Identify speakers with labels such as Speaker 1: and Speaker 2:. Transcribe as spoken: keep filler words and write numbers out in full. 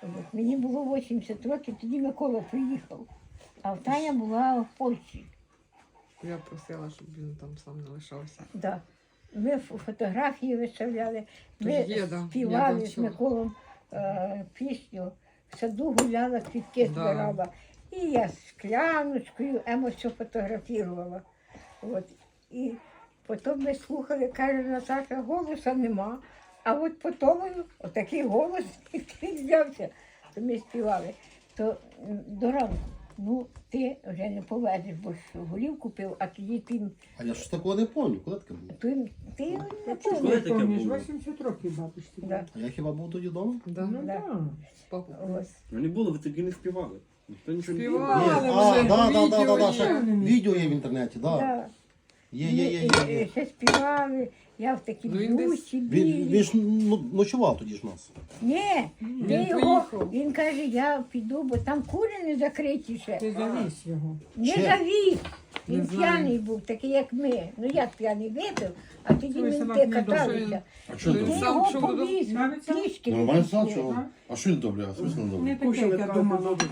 Speaker 1: От мені було вісімдесят років, тоді Микола приїхав. А Таня була в Польщі.
Speaker 2: Я просила, щоб він там сам не лишався.
Speaker 1: Да. Ми ф- фотографії виставляли, ми
Speaker 2: Є, да, я
Speaker 1: співали з
Speaker 2: бачила.
Speaker 1: Миколом е, пісню, в саду гуляла, квітки
Speaker 2: Да.
Speaker 1: збирала. І я з скляночкою емо все фотографувала. От. І потім ми слухали, каже Наташа, голоса нема. А от потім отакий голос, який взявся, то ми співали. То м, до ранку, ну ти вже не повезеш, бо ж голів купив, а тоді ти,
Speaker 3: А я ж такого не пам'ятаю, коли таке було?
Speaker 1: ти, ти не
Speaker 4: Коли
Speaker 1: помниш.
Speaker 4: таке
Speaker 5: Помніш,
Speaker 4: було?
Speaker 5: вісімдесят років бабусі.
Speaker 1: Да.
Speaker 3: А я хіба був тоді вдома?
Speaker 2: Да.
Speaker 5: Ну
Speaker 1: Да.
Speaker 5: так.
Speaker 2: Папа.
Speaker 1: Ось.
Speaker 4: Ну не було, ви тоді не співали. Ніхто нічого не
Speaker 2: Співали.
Speaker 4: співав.
Speaker 3: Є,
Speaker 2: Але
Speaker 3: а,
Speaker 2: вже
Speaker 3: да, да, да,
Speaker 2: відео
Speaker 3: да, да,
Speaker 2: є.
Speaker 3: ще відео є в інтернеті, да.
Speaker 1: Да.
Speaker 3: Є, є, є, є,
Speaker 1: І- і-
Speaker 3: є.
Speaker 1: і Ще співали, я в такій
Speaker 2: Ну, він десь-
Speaker 1: блузці
Speaker 3: Він,
Speaker 1: білій.
Speaker 3: він ж ну, ночував тоді ж у нас.
Speaker 1: Ні,
Speaker 2: Він
Speaker 1: ти його,
Speaker 2: поїхав.
Speaker 1: він каже, я піду, бо там кури не закриті ще.
Speaker 5: Ти завіз його.
Speaker 1: Не
Speaker 3: Ще?
Speaker 1: завіз.
Speaker 2: Не
Speaker 1: Він
Speaker 2: знаю.
Speaker 1: п'яний був, такий як ми. Ну як п'яний випив, а тоді
Speaker 5: Той
Speaker 1: ми
Speaker 5: собак
Speaker 1: те
Speaker 5: не
Speaker 1: каталися.
Speaker 3: А
Speaker 2: що
Speaker 1: Ти
Speaker 2: ти? Сам
Speaker 1: його
Speaker 2: пішов додому?
Speaker 1: повіз,
Speaker 5: Навіть сам?
Speaker 1: пішки.
Speaker 3: Нормально
Speaker 1: вивезли.
Speaker 3: сам чого? А що він добре? А що він
Speaker 5: Не
Speaker 3: добре?
Speaker 5: таке, як я думала.